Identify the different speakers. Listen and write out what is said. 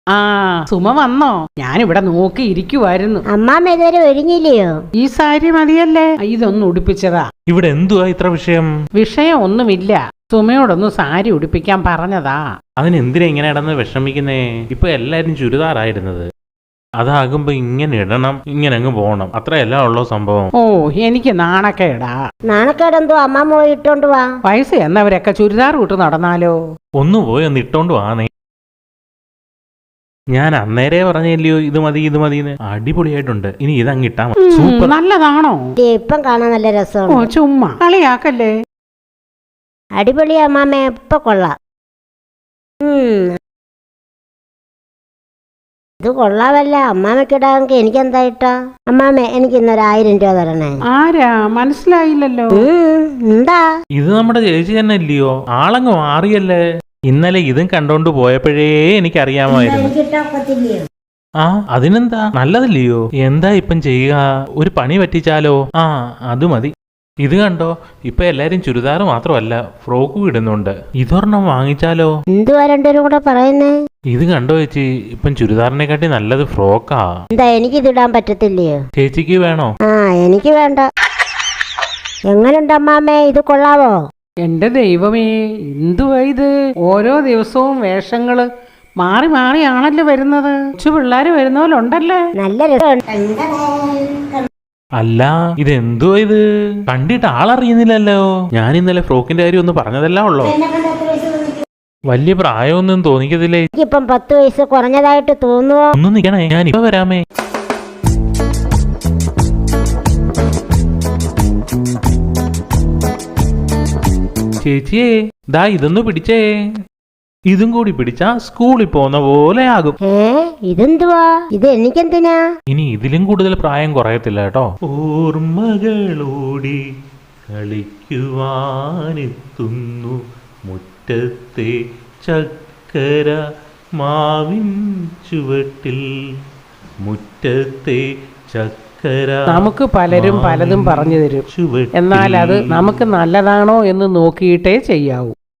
Speaker 1: ആ സുമ വന്നോ? ഞാനിവിടെ നോക്കിയിരിക്കുവായിരുന്നു.
Speaker 2: അമ്മാമ്മ ഇതുവരെ ഒരുങ്ങിയില്ലയോ?
Speaker 1: ഈ സാരി മതിയല്ലേ? ഇതൊന്ന് ഉടുപ്പിച്ചതാ.
Speaker 3: ഇവിടെ എന്തുവാ ഇത്ര വിഷയം?
Speaker 1: വിഷയം ഒന്നുമില്ല. സുമയോടൊന്ന് സാരി ഉടുപ്പിക്കാൻ പറഞ്ഞതാ.
Speaker 3: അതിനെന്തിനാ ഇങ്ങനെ ഇടന്ന് വിഷമിക്കുന്നേ? ഇപ്പൊ എല്ലാരും ചുരിദാറായിരുന്നത്. അതാകുമ്പോ ഇങ്ങനെ ഇടണം, ഇങ്ങനെ അങ്ങ് പോണം, അത്രയല്ല ഉള്ളോ സംഭവം.
Speaker 1: ഓ എനിക്ക് നാണക്കേടാ.
Speaker 2: നാണക്കേടെന്തോ അമ്മാമ്മ പോയി ഇട്ടോണ്ട് വാ.
Speaker 1: വയസ്സ് എന്നവരൊക്കെ ചുരിദാർ ഇട്ട് നടന്നാലോ?
Speaker 3: ഒന്ന് പോയി ഒന്ന് ഇട്ടോണ്ട് വാന്നേ. ഞാൻ അന്നേരേ പറഞ്ഞില്ലയോ ഇത് മതി ഇത് മതിന്ന്. അടിപൊളിയായിട്ടുണ്ട്. ഇനി ഇതങ്ങ് ഇട്ടാ മതി. സൂപ്പർ.
Speaker 1: നല്ലതാണോ?
Speaker 2: ഇപ്പം കാണാൻ നല്ല
Speaker 1: ഓ
Speaker 2: രസമുണ്ട്.
Speaker 1: ചുമ്മാ കളിയാക്കല്ലേ.
Speaker 2: അടിപൊളി അമ്മാമ്മ, ഇപ്പൊ കൊള്ളാം. ഇത് കൊള്ളാവല്ല. അമ്മാമ്മക്കിടാമെങ്കിൽ എനിക്കെന്തായിട്ടാ? അമ്മാമ്മ എനിക്ക് ഇന്നൊരു 1000 രൂപ തരണേ.
Speaker 1: ആരാ? മനസ്സിലായില്ലല്ലോ.
Speaker 2: എന്താ
Speaker 3: ഇത് നമ്മുടെ ചേച്ചി തന്നെ ഇല്ലയോ? ആളങ്ങ് മാറിയല്ലേ. ഇന്നലെ ഇതും കണ്ടോണ്ട് പോയപ്പോഴേ എനിക്കറിയാമായിരുന്നു. ആ അതിനെന്താ, നല്ലതല്ലയോ? എന്താ ഇപ്പം ചെയ്യുക? ഒരു പണി പറ്റിച്ചാലോ? ആ അത് മതി. ഇത് കണ്ടോ, ഇപ്പൊ എല്ലാരും ചുരിദാർ മാത്രമല്ല ഫ്രോക്കും ഇടുന്നുണ്ട്. ഇതൊരെണ്ണം വാങ്ങിച്ചാലോ?
Speaker 2: എന്തുവാ രണ്ടുപേരും കൂടെ പറയുന്നേ?
Speaker 3: ഇത് കണ്ടോ ചേച്ചി, ഇപ്പം ചുരിദാറിനെക്കാട്ടി നല്ലത് ഫ്രോക്കാ.
Speaker 2: എന്താ എനിക്കിതിടാൻ പറ്റത്തില്ലയോ?
Speaker 3: ചേച്ചിക്ക് വേണോ?
Speaker 2: ആ എനിക്ക് വേണ്ട. എങ്ങനുണ്ട് അമ്മാമ്മേ, ഇത് കൊള്ളാവോ?
Speaker 1: എന്റെ ദൈവമേ, എന്തുവാ ഇത്? ഓരോ ദിവസവും വേഷങ്ങള് മാറി മാറിയാണല്ലോ വരുന്നത്. കൊച്ചു പിള്ളേര് വരുന്ന പോലെ ഉണ്ടല്ലേ.
Speaker 2: നല്ല രസമുണ്ട്.
Speaker 3: അല്ല ഇതെന്തുവാ ഇത്? കണ്ടിട്ട് ആളറിയുന്നില്ലല്ലോ. ഞാൻ ഇന്നലെ ഫ്രോക്കിന്റെ കാര്യം ഒന്ന് പറഞ്ഞതല്ല ഉള്ളോ. വലിയ പ്രായമൊന്നും തോന്നിക്കത്തില്ലേ?
Speaker 2: എനിക്കിപ്പം 10 വയസ്സ് കുറഞ്ഞതായിട്ട് തോന്നുവോ?
Speaker 3: ഒന്ന് നിക്കണേ, ഞാൻ ഇപ്പൊ വരാമേ. ചേച്ചിയേ, ദാ ഇതൊന്ന് പിടിച്ചേ. ഇതും കൂടി പിടിച്ചാ സ്കൂളിൽ പോന്ന പോലെ ആകും.
Speaker 2: ഇതെന്തുവാ? ഇത് എനിക്കെന്തിനാ?
Speaker 3: ഇനി ഇതിലും കൂടുതൽ പ്രായം കുറയത്തില്ല കേട്ടോ. ഓർമ്മകളോടി കളിക്കുവാനെത്തുന്നു മുറ്റത്തെ ചക്കര മാവിൻ ചുവട്ടിൽ. മുറ്റത്തെ ചക്കര.
Speaker 1: നമുക്ക് പലരും പലതും പറഞ്ഞു തരും. എന്നാൽ അത് നമുക്ക് നല്ലതാണോ എന്ന് നോക്കിയിട്ടേ ചെയ്യാവൂ.